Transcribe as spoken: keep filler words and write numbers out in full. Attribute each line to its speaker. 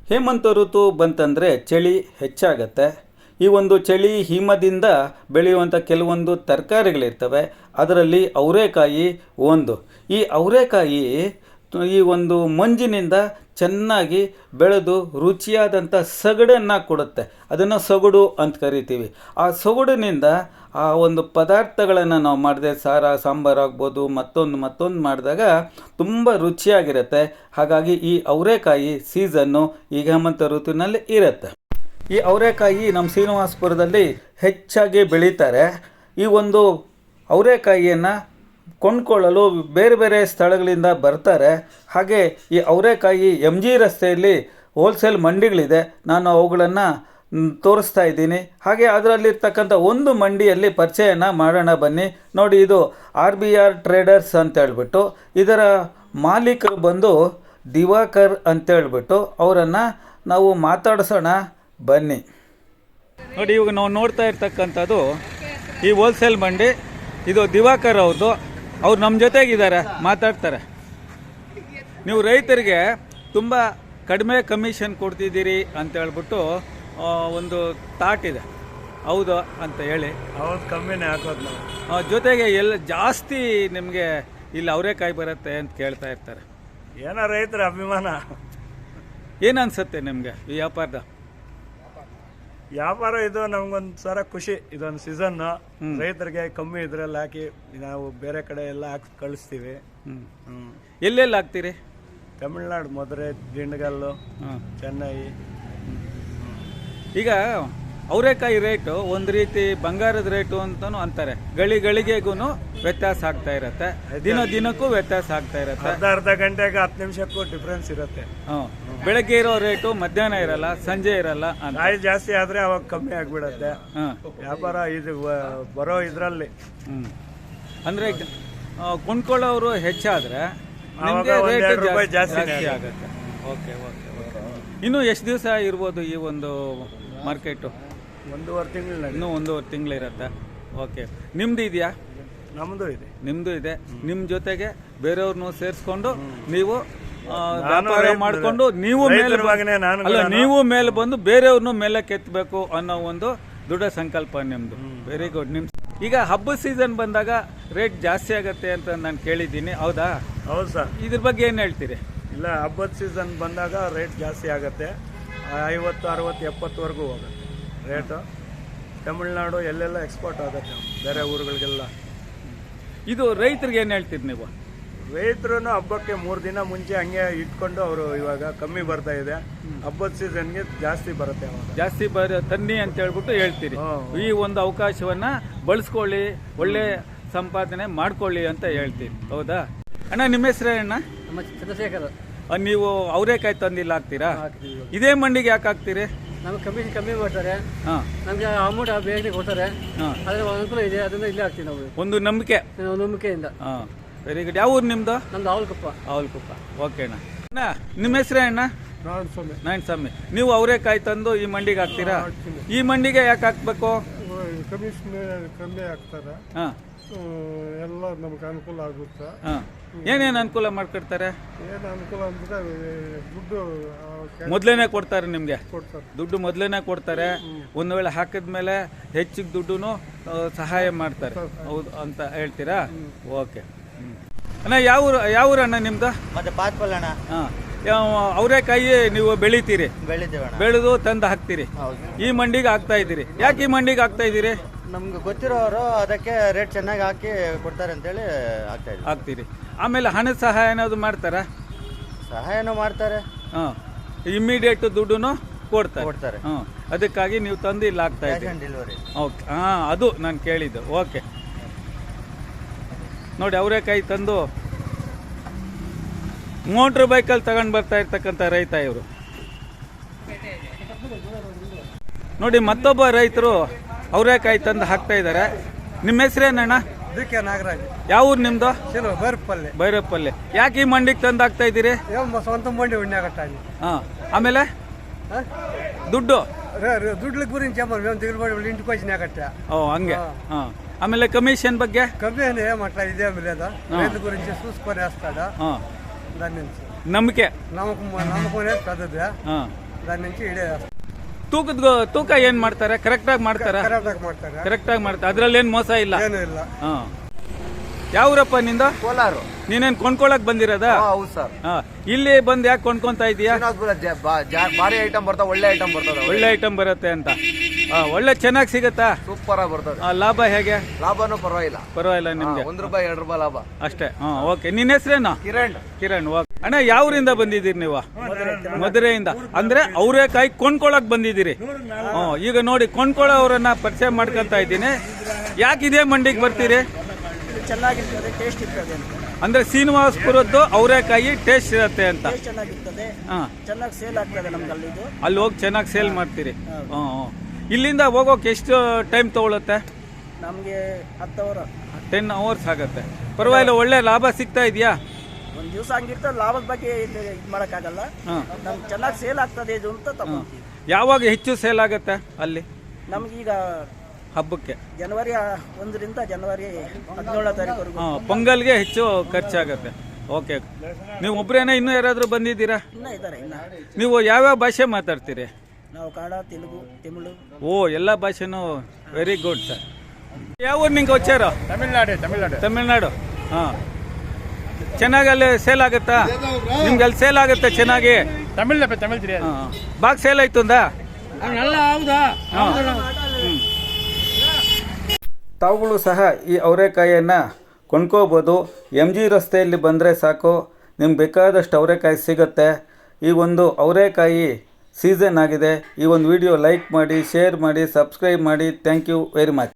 Speaker 1: ಹೇಮಂತ ಋತು ಬಂತಂದರೆ ಚಳಿ ಹೆಚ್ಚಾಗತ್ತೆ. ಈ ಒಂದು ಚಳಿ ಹಿಮದಿಂದ ಬೆಳೆಯುವಂಥ ಕೆಲವೊಂದು ತರಕಾರಿಗಳಿರ್ತವೆ. ಅದರಲ್ಲಿ ಅವರೆಕಾಯಿ ಒಂದು. ಈ ಅವರೆಕಾಯಿ ಈ ಒಂದು ಮಂಜಿನಿಂದ ಚೆನ್ನಾಗಿ ಬೆಳೆದು ರುಚಿಯಾದಂಥ ಸೊಗಡನ್ನು ಕೊಡುತ್ತೆ. ಅದನ್ನು ಸೊಗಡು ಅಂತ ಕರಿತೀವಿ. ಆ ಸೊಗಡಿನಿಂದ ಆ ಒಂದು ಪದಾರ್ಥಗಳನ್ನು ನಾವು ಮಾಡಿದೆ, ಸಾರ ಸಾಂಬಾರು ಆಗ್ಬೋದು, ಮತ್ತೊಂದು ಮತ್ತೊಂದು ಮಾಡಿದಾಗ ತುಂಬ ರುಚಿಯಾಗಿರುತ್ತೆ. ಹಾಗಾಗಿ ಈ ಅವರೆಕಾಯಿ ಸೀಸನ್ನು ಈಗ ಹೇಮಂತ ಋತುವಿನಲ್ಲಿ ಇರುತ್ತೆ. ಈ ಅವರೆಕಾಯಿ ನಮ್ಮ ಶ್ರೀನಿವಾಸಪುರದಲ್ಲಿ ಹೆಚ್ಚಾಗಿ ಬೆಳೀತಾರೆ. ಈ ಒಂದು ಅವರೆಕಾಯಿಯನ್ನು ಕೊಂಡ್ಕೊಳ್ಳಲು ಬೇರೆ ಬೇರೆ ಸ್ಥಳಗಳಿಂದ ಬರ್ತಾರೆ. ಹಾಗೆ ಈ ಅವರೆಕಾಯಿ ಎಮ್ ಜಿ ರಸ್ತೆಯಲ್ಲಿ ಹೋಲ್ಸೇಲ್ ಮಂಡಿಗಳಿದೆ. ನಾನು ಅವುಗಳನ್ನು ತೋರಿಸ್ತಾ ಇದ್ದೀನಿ. ಹಾಗೆ ಅದರಲ್ಲಿರ್ತಕ್ಕಂಥ ಒಂದು ಮಂಡಿಯಲ್ಲಿ ಪರಿಚಯನ ಮಾಡೋಣ ಬನ್ನಿ. ನೋಡಿ, ಇದು ಆರ್ ಬಿ ಆರ್ ಟ್ರೇಡರ್ಸ್ ಅಂತೇಳ್ಬಿಟ್ಟು ಇದರ ಮಾಲೀಕರು ಬಂದು ದಿವಾಕರ್ ಅಂತೇಳ್ಬಿಟ್ಟು ಅವರನ್ನು ನಾವು ಮಾತಾಡಿಸೋಣ ಬನ್ನಿ. ನೋಡಿ, ಇವಾಗ ನಾವು ನೋಡ್ತಾ ಇರ್ತಕ್ಕಂಥದ್ದು ಈ ಹೋಲ್ಸೇಲ್ ಮಂಡಿ. ಇದು ದಿವಾಕರ್ ಅವ್ರದ್ದು. ಅವ್ರು ನಮ್ಮ ಜೊತೆಗಿದ್ದಾರೆ, ಮಾತಾಡ್ತಾರೆ. ನೀವು ರೈತರಿಗೆ ತುಂಬ ಕಡಿಮೆ ಕಮಿಷನ್ ಕೊಡ್ತಿದ್ದೀರಿ ಅಂತ ಹೇಳ್ಬಿಟ್ಟು ಒಂದು ಥಾಟ್ ಇದೆ, ಹೌದು ಅಂತ ಹೇಳಿ.
Speaker 2: ಹೌದು, ಕಮ್ಮಿನೇ ಹಾಕೋದು ನಾವು.
Speaker 1: ಜೊತೆಗೆ ಎಲ್ಲ ಜಾಸ್ತಿ ನಿಮಗೆ ಇಲ್ಲಿ ಅವರೆಕಾಯಿ ಬರುತ್ತೆ ಅಂತ ಕೇಳ್ತಾ ಇರ್ತಾರೆ.
Speaker 2: ಏನೋ ರೈತರ ಅಭಿಮಾನ.
Speaker 1: ಏನು ಅನ್ಸುತ್ತೆ ನಿಮಗೆ ಈ ವ್ಯಾಪಾರದ?
Speaker 2: ವ್ಯಾಪಾರ ಇದು ನಮ್ಗೊಂದು ಸರ ಖುಷಿ. ಇದೊಂದು ಸೀಸನ್ ರೈತರಿಗೆ ಕಮ್ಮಿ ಇದ್ರಲ್ಲಿ ಹಾಕಿ ನಾವು ಬೇರೆ ಕಡೆ ಎಲ್ಲ ಹಾಕಿ ಕಳಿಸ್ತೀವಿ.
Speaker 1: ಹ್ಮ್ ಎಲ್ಲೆಲ್ಲಿ ಹಾಕ್ತೀರಿ?
Speaker 2: ತಮಿಳ್ನಾಡು, ಮಧುರೆ, ದಿಂಡಗಲ್ಲು, ಚೆನ್ನೈ.
Speaker 1: ಈಗ ಅವರೆಕಾಯಿ ರೇಟು ಒಂದು ರೀತಿ ಬಂಗಾರದ ರೇಟು ಅಂತಲೂ ಅಂತಾರೆ. ಗಳಿ ಗಳಿಗೆಗೂ ವ್ಯತ್ಯಾಸ ಆಗ್ತಾ ಇರುತ್ತೆ, ದಿನ ದಿನಕ್ಕೂ ವ್ಯತ್ಯಾಸ ಆಗ್ತಾ ಇರುತ್ತೆ.
Speaker 2: ಅರ್ಧ ಅರ್ಧ ಗಂಟೆಗೆ ಹತ್ತು ನಿಮಿಷಕ್ಕೂ ಡಿಫ್ರೆನ್ಸ್ ಇರುತ್ತೆ.
Speaker 1: ಹ್ಮ್ ಬೆಳಗ್ಗೆ ಇರೋ ರೇಟು ಮಧ್ಯಾಹ್ನ ಇರಲ್ಲ, ಸಂಜೆ ಇರಲ್ಲ.
Speaker 2: ಕಾಯಿ ಜಾಸ್ತಿ ಆದ್ರೆ ಅವಾಗ ಕಮ್ಮಿ ಆಗ್ಬಿಡತ್ತೆ ವ್ಯಾಪಾರ. ಇದು ಬರೋ ಇದ್ರಲ್ಲಿ
Speaker 1: ಹ್ಮ್ ಅಂದ್ರೆ ಕೊಂಡ್ಕೊಳ್ಳೋರು ಹೆಚ್ಚಾದ್ರೆ
Speaker 2: ರೂಪಾಯಿ ಜಾಸ್ತಿ
Speaker 1: ಆಗುತ್ತೆ. Okay okay okay. ಇನ್ನು ಎಷ್ಟು ದಿವಸ ಇರ್ಬೋದು ಈ ಒಂದು ಮಾರ್ಕೆಟು?
Speaker 2: ಒಂದೂವರೆ ತಿಂಗಳು.
Speaker 1: ಇನ್ನೂ ಒಂದೂವರೆ ತಿಂಗಳು ಇರುತ್ತೆ. ಓಕೆ. ನಿಮ್ದು ಇದೆಯಾ?
Speaker 2: ನಮ್ದು ಇದೆ.
Speaker 1: ನಿಮ್ದು ಇದೆ. ನಿಮ್ಮ ಜೊತೆಗೆ ಬೇರೆಯವ್ರನ್ನೂ ಸೇರಿಸ್ಕೊಂಡು ನೀವು ವ್ಯಾಪಾರ ಮಾಡಿಕೊಂಡು ನೀವು ಮೇಲೆ ಅಲ್ಲ ನೀವು ಮೇಲೆ ಬಂದು ಬೇರೆಯವ್ರನ್ನೂ ಮೇಲೆ ಕೆತ್ತಬೇಕು ಅನ್ನೋ ಒಂದು ದೃಢ ಸಂಕಲ್ಪ ನಿಮ್ದು. Very good. ನಿಮ್ ಈಗ ಹಬ್ಬದ ಸೀಸನ್ ಬಂದಾಗ ರೇಟ್ ಜಾಸ್ತಿ ಆಗತ್ತೆ ಅಂತ ನಾನು ಕೇಳಿದ್ದೀನಿ, ಹೌದಾ?
Speaker 2: ಹೌದು ಸರ್.
Speaker 1: ಇದ್ರ ಬಗ್ಗೆ ಏನು ಹೇಳ್ತೀರಿ?
Speaker 2: ಇಲ್ಲ, ಹಬ್ಬದ ಸೀಸನ್ ಬಂದಾಗ ರೇಟ್ ಜಾಸ್ತಿ ಆಗುತ್ತೆ. ಐವತ್ತು ಅರವತ್ತು ಎಪ್ಪತ್ತುವರೆಗೂ ಹೋಗುತ್ತೆ ರೇಟು. ತಮಿಳ್ನಾಡು ಎಲ್ಲೆಲ್ಲ ಎಕ್ಸ್ಪೋರ್ಟ್ ಆಗುತ್ತೆ ಬೇರೆ ಊರುಗಳಿಗೆಲ್ಲ.
Speaker 1: ಇದು ರೈತರಿಗೆ ಏನು ಹೇಳ್ತೀರಿ ನೀವು?
Speaker 2: ರೈತರು ಹಬ್ಬಕ್ಕೆ ಮೂರು ದಿನ ಮುಂಚೆ ಹಂಗೆ ಇಟ್ಕೊಂಡು ಅವರು ಇವಾಗ ಕಮ್ಮಿ ಬರ್ತಾ ಇದೆ. ಹಬ್ಬದ ಸೀಸನ್ಗೆ ಜಾಸ್ತಿ ಬರುತ್ತೆ,
Speaker 1: ಜಾಸ್ತಿ ಬರ ತನ್ನಿ ಅಂತ ಹೇಳ್ಬಿಟ್ಟು ಹೇಳ್ತೀರಿ. ಈ ಒಂದು ಅವಕಾಶವನ್ನ ಬಳಸ್ಕೊಳ್ಳಿ, ಒಳ್ಳೆ ಸಂಪಾದನೆ ಮಾಡ್ಕೊಳ್ಳಿ ಅಂತ ಹೇಳ್ತೀರಿ, ಹೌದಾ? ಅಣ್ಣ, ನಿಮ್ಮ ಹೆಸರು ಅಣ್ಣ?
Speaker 3: ಚಂದ್ರಶೇಖರ್.
Speaker 1: ನೀವು ಅವರೆಕಾಯಿ ತಂದಿಲ್ಲ ಹಾಕ್ತೀರಾ? ಇದೇ ಮಂಡಿಗೆ ಯಾಕೆ ಹಾಕ್ತೀರಿ?
Speaker 3: ನಮ್ಗೆ ಕಮಿಷನ್ ಕಮ್ಮಿ ಮಾಡ್ತಾರೆ, ನಮ್ಗೆ ಅಮೌಂಟ್ ಬೇಗನೆ ಕೊಡ್ತಾರೆ, ಅದ್ರ ಅನುಕೂಲ ಇದೆ, ಅದನ್ನ ಇಲ್ಲೇ ಹಾಕ್ತೀವಿ ನಾವು.
Speaker 1: ಒಂದು ನಂಬಿಕೆ,
Speaker 3: ನಂಬಿಕೆಯಿಂದ.
Speaker 1: Very good. ಯಾವ ಊರು ನಿಮ್ದು?
Speaker 3: ನಮ್ದು ಅವಲ್ಕುಪ್ಪ.
Speaker 1: ಅವಲ್ಕುಪ್ಪ. ಓಕೆ ಅಣ್ಣ. ಅಣ್ಣ, ನಿಮ್ಮ ಹೆಸರೇ ಅಣ್ಣ? ನಾರಾಯಣ ಸ್ವಾಮಿ. ನೀವು ಅವರೆಕಾಯಿ ತಂದು ಈ ಮಂಡಿಗೆ ಹಾಕ್ತೀರಾ? ಈ ಮಂಡಿಗೆ ಯಾಕೆ ಹಾಕ್ಬೇಕು?
Speaker 4: ಕಮಿಷನ್ ಕಮ್ಮಿ ಹಾಕ್ತಾರೆ, ಎಲ್ಲ ನಮ್ಗೆ ಅನುಕೂಲ ಆಗುತ್ತೆ.
Speaker 1: ಏನೇನು ಅನುಕೂಲ ಮಾಡ್ಕೊಡ್ತಾರೆ?
Speaker 4: ಏನು ಅನುಕೂಲ ಅಂದ್ರೆ ದುಡ್ಡು
Speaker 1: ಮೊದಲೇನೆ ಕೊಡ್ತಾರೆ ನಿಮ್ಗೆ?
Speaker 4: ಕೊಡ್ತಾರೆ, ದುಡ್ಡು
Speaker 1: ಮೊದಲೇನೆ ಕೊಡ್ತಾರೆ. ಒಂದು ವೇಳೆ ಹಾಕಿದ್ಮೇಲೆ ಹೆಚ್ಚಿಗೆ ದುಡ್ಡು ಸಹಾಯ ಮಾಡ್ತಾರೆ, ಹೌದು ಅಂತ ಹೇಳ್ತೀರಾ? ಓಕೆ. ಅಣ್ಣ, ಯಾವ ಊರು ಯಾವ ಊರು ಅಣ್ಣ ನಿಮ್ದು?
Speaker 5: ಮತ್ತೆ ಪಾತ್ಪಲ್ ಅಣ್ಣ.
Speaker 1: ಹಾಂ, ಅವರೆಕಾಯಿ ನೀವು ಬೆಳಿತೀರಿ, ಬೆಳೆದು ತಂದು ಹಾಕ್ತೀರಿ, ಈ ಮಂಡಿಗೆ ಹಾಕ್ತಾ ಇದ್ದೀರಿ. ಯಾಕೆ ಈ ಮಂಡಿಗೆ ಹಾಕ್ತಾ ಇದ್ದೀರಿ?
Speaker 5: ನಮ್ಗೆ ಗೊತ್ತಿರೋರು ಅದಕ್ಕೆ ರೇಟ್ ಚೆನ್ನಾಗಿ ಹಾಕಿ ಕೊಡ್ತಾರೆ ಅಂತೇಳಿ ಹಾಕ್ತಾ ಇದ್ದೀವಿ.
Speaker 1: ಹಾಕ್ತೀರಿ. ಆಮೇಲೆ ಹಣದ ಸಹಾಯ ಏನಾದ್ರು ಮಾಡ್ತಾರಾ?
Speaker 5: ಸಹಾಯನೂ ಮಾಡ್ತಾರೆ,
Speaker 1: ಹಾಂ, ಇಮ್ಮಿಡಿಯೇಟ್ ದುಡ್ಡು ಕೊಡ್ತಾರೆ
Speaker 5: ಕೊಡ್ತಾರೆ
Speaker 1: ಹಾಂ. ಅದಕ್ಕಾಗಿ ನೀವು ತಂದು ಇಲ್ಲಿ ಹಾಕ್ತಾ ಇದ್ದೀರಿ.
Speaker 5: ಡೆಲಿವರಿ.
Speaker 1: ಓಕೆ, ಹಾಂ, ಅದು ನಾನು ಕೇಳಿದ್ದು. ಓಕೆ. ನೋಡಿ, ಅವರೆಕಾಯಿ ತಂದು ಮೋಟ್ರ್ ಬೈಕಲ್ಲಿ ತಗೊಂಡು ಬರ್ತಾ ಇರ್ತಕ್ಕಂಥ ರೈತ ಇವರು. ನೋಡಿ, ಮತ್ತೊಬ್ಬ ರೈತರು ಅವರೆಕಾಯಿ ತಂದು ಹಾಕ್ತಾ ಇದ್ದಾರೆ. ನಿಮ್ಮ ಹೆಸರೇನಣ್ಣ?
Speaker 3: D K Nagaraj.
Speaker 1: ಯಾವ ಊರು ನಿಮ್ದು?
Speaker 3: ಭೈರಪ್ಪಲ್ಲಿ.
Speaker 1: ಭೈರಪ್ಪಲ್ಲಿ. ಯಾಕೆ ಈ ಮಂಡಿಗೆ ತಂದು ಹಾಕ್ತಾ ಇದ್ದೀರಿ?
Speaker 3: ಸ್ವಂತ ಮಂಡಿ ಉಣ್ಣಾಗಟ್ಟ.
Speaker 1: ಹಾಂ, ಆಮೇಲೆ ದುಡ್ಡು
Speaker 3: ದುಡ್ಡು ಗುరించి ಇಂటికి వచ్చినాకట్ట.
Speaker 1: ఓ హంగే. ఆమెಲೆ కమిషన్ ಬಗ್ಗೆ
Speaker 3: కమ్మి ఏమంటా ఇదే లేదా రైతు గురించి చూసుకొని వేస్తాడా దాని నుంచి
Speaker 1: ನಂಬಿಕೆ
Speaker 3: నమ్మకం నమ్మకం పెద్దది.
Speaker 4: దాని నుంచి ఇడే
Speaker 1: ತೂಕದ ತೂಕ ಏನು ಮಾಡ್ತಾರೆ? ಕರೆಕ್ಟಾಗಿ ಮಾಡ್ತಾರಾ?
Speaker 4: ಕರೆಕ್ಟಾಗಿ ಮಾಡ್ತಾರೆ,
Speaker 1: ಕರೆಕ್ಟಾಗಿ ಮಾಡ್ತಾರೆ, ಅದರಲ್ಲೇನು ಮೋಸ ಇಲ್ಲ.
Speaker 4: ಏನೂ ಇಲ್ಲ.
Speaker 1: ಹಾಂ. ಯಾವ ಊರಪ್ಪ ನಿಂದ?
Speaker 5: ಕೋಲಾರ.
Speaker 1: ನೀನೇನು ಕೊಂಡ್ಕೊಳಕ್ ಬಂದಿರೋದಾ?
Speaker 5: ಹೌದು ಸರ್.
Speaker 1: ಹಾಂ. ಇಲ್ಲಿ ಬಂದು ಯಾಕೆ ಕೊಂಡ್ಕೊಂತ ಇದೀಯಾ?
Speaker 5: ಭಾರಿ ಐಟಮ್ ಬರ್ತದೆ, ಒಳ್ಳೆ ಐಟಮ್ ಬರ್ತದೆ,
Speaker 1: ಒಳ್ಳೆ ಐಟಮ್ ಬರುತ್ತೆ ಅಂತ. ಹಾಂ, ಒಳ್ಳೆ ಚೆನ್ನಾಗಿ ಸಿಗುತ್ತಾ?
Speaker 5: ಸೂಪರ್ ಆಗಿ ಬರ್ತದೆ.
Speaker 1: ಆ, ಲಾಭ ಹೇಗೆ?
Speaker 5: ಲಾಭನೂ ಪರವಾಗಿಲ್ಲ,
Speaker 1: ಪರವಾಗಿಲ್ಲ ನಿಮ್ಗೆ?
Speaker 5: ಒಂದ್ ರೂಪಾಯಿ ಎರಡು ರೂಪಾಯಿ ಲಾಭ
Speaker 1: ಅಷ್ಟೇ. ಹಾಂ, ಓಕೆ. ನಿನ್ನ ಹೆಸರೇನು?
Speaker 5: ಕಿರಣ್.
Speaker 1: ಕಿರಣ್, ಓಕೆ. ಅಣ್ಣ, ಯಾವ ಊರಿಂದ ಬಂದಿದ್ದೀರಿ ನೀವು? ಮಧುರೆಯಿಂದ. ಅಂದ್ರೆ ಅವರೇಕಾಯಿ ಕೊಂಡ್ಕೊಳಕ್ ಬಂದಿದ್ದೀರಿ. ಹ್ಞೂ. ಈಗ ನೋಡಿ, ಕೊಂಡ್ಕೊಳ್ಳೋರನ್ನ ಪರಿಚಯ ಮಾಡ್ಕೊಂತ ಇದ್ದೀನಿ. ಯಾಕೆ ಇದೇ ಮಂಡಿಗೆ ಬರ್ತೀರಿ?
Speaker 3: ಚೆನ್ನಾಗಿರ್ತದೆ, ಟೇಸ್ಟ್ ಇರ್ತದೆ ಅಂತ.
Speaker 1: ಅಂದ್ರೆ ಶ್ರೀನಿವಾಸಪುರದ್ದು ಅವರೇಕಾಯಿ ಟೇಸ್ಟ್ ಇರುತ್ತೆ ಅಂತ.
Speaker 3: ಚೆನ್ನಾಗಿರ್ತದೆ,
Speaker 1: ಹಾಂ.
Speaker 3: ಚೆನ್ನಾಗಿ ಸೇಲ್ ಆಗ್ತದೆ ನಮ್ಗೆ ಅಲ್ಲಿದು.
Speaker 1: ಅಲ್ಲಿ ಹೋಗಿ ಚೆನ್ನಾಗಿ ಸೇಲ್ ಮಾಡ್ತೀರಿ. ಹ್ಞೂ ಹ್ಞೂ. ಇಲ್ಲಿಂದ ಹೋಗೋಕೆ ಎಷ್ಟು ಟೈಮ್ ತಗೊಳುತ್ತೆ?
Speaker 3: ನಮಗೆ ಹತ್ತು ಅವರ್
Speaker 1: ಟೆನ್ ಅವರ್ಸ್ ಆಗುತ್ತೆ. ಪರವಾಗಿಲ್ಲ, ಒಳ್ಳೆ ಲಾಭ ಸಿಗ್ತಾ ಇದೆಯಾ?
Speaker 3: ಒಂದು ದಿವಸ ಹಂಗಿರ್ತದೆ, ಲಾಭದ ಬಗ್ಗೆ ಇದು ಮಾಡೋಕ್ಕಾಗಲ್ಲ.
Speaker 1: ಹಾಂ.
Speaker 3: ನಮ್ಗೆ ಚೆನ್ನಾಗಿ ಸೇಲ್ ಆಗ್ತದೆ ಇದು ಅಂತ ತಗೊಂತೀವಿ.
Speaker 1: ಯಾವಾಗ ಹೆಚ್ಚು ಸೇಲ್ ಆಗುತ್ತೆ ಅಲ್ಲಿ
Speaker 3: ನಮಗೀಗ
Speaker 1: ಹಬ್ಬಕ್ಕೆ?
Speaker 3: ಜನವರಿ ಒಂದರಿಂದ ಜನವರಿ ಹದಿನೇಳನೇ ತಾರೀಕುವರೆಗೂ.
Speaker 1: ಹಾಂ, ಪೊಂಗಲ್ಗೆ ಹೆಚ್ಚು ಖರ್ಚಾಗುತ್ತೆ. ಓಕೆ. ನೀವು ಒಬ್ಬರೇನ ಇನ್ನೂ ಯಾರಾದರೂ ಬಂದಿದ್ದೀರಾ?
Speaker 3: ಇನ್ನೂ ಇದ್ದಾರೆ. ಇನ್ನು
Speaker 1: ನೀವು ಯಾವ್ಯಾವ ಭಾಷೆ ಮಾತಾಡ್ತೀರಿ?
Speaker 3: ನಾವು ಕನ್ನಡ, ತೆಲುಗು, ತಮಿಳು.
Speaker 1: ಓ, ಎಲ್ಲ ಭಾಷೆನೂ ವೆರಿ ಗುಡ್ ಸರ್. ಯಾವ ಊರು ನಿಂಗೆ వచ్చారు?
Speaker 4: ತಮಿಳ್ನಾಡು. ತಮಿಳ್ನಾಡು
Speaker 1: ತಮಿಳ್ನಾಡು. ಹಾಂ. ಚೆನ್ನಾಗಿ ಅಲ್ಲಿ ಸೇಲ್ ಆಗುತ್ತಾ ನಿಮ್ಗೆ? ಅಲ್ಲಿ ಸೇಲ್ ಆಗುತ್ತೆ ಚೆನ್ನಾಗಿ?
Speaker 4: ತಮಿಳ್ ತಮಿಳ್ ತಿರಿಯ
Speaker 1: ಹಾಂ. ಬಾಗ್ ಸೇಲ್ ಆಯ್ತುಂದಾ?
Speaker 3: ಹೌದಾ?
Speaker 1: ತಾವುಗಳು ಸಹ ಈ ಅವರೆಕಾಯಿಯನ್ನು ಕೊಂಡ್ಕೋಬೋದು. ಎಮ್ ಜಿ ರಸ್ತೆಯಲ್ಲಿ ಬಂದರೆ ಸಾಕು, ನಿಮ್ಗೆ ಬೇಕಾದಷ್ಟು ಅವರೆಕಾಯಿ ಸಿಗುತ್ತೆ. ಈ ಒಂದು ಅವರೆಕಾಯಿ ಸೀಸನ್ ಆಗಿದೆ. ಈ ಒಂದು ವಿಡಿಯೋ ಲೈಕ್ ಮಾಡಿ, ಶೇರ್ ಮಾಡಿ, ಸಬ್ಸ್ಕ್ರೈಬ್ ಮಾಡಿ. Thank you very much.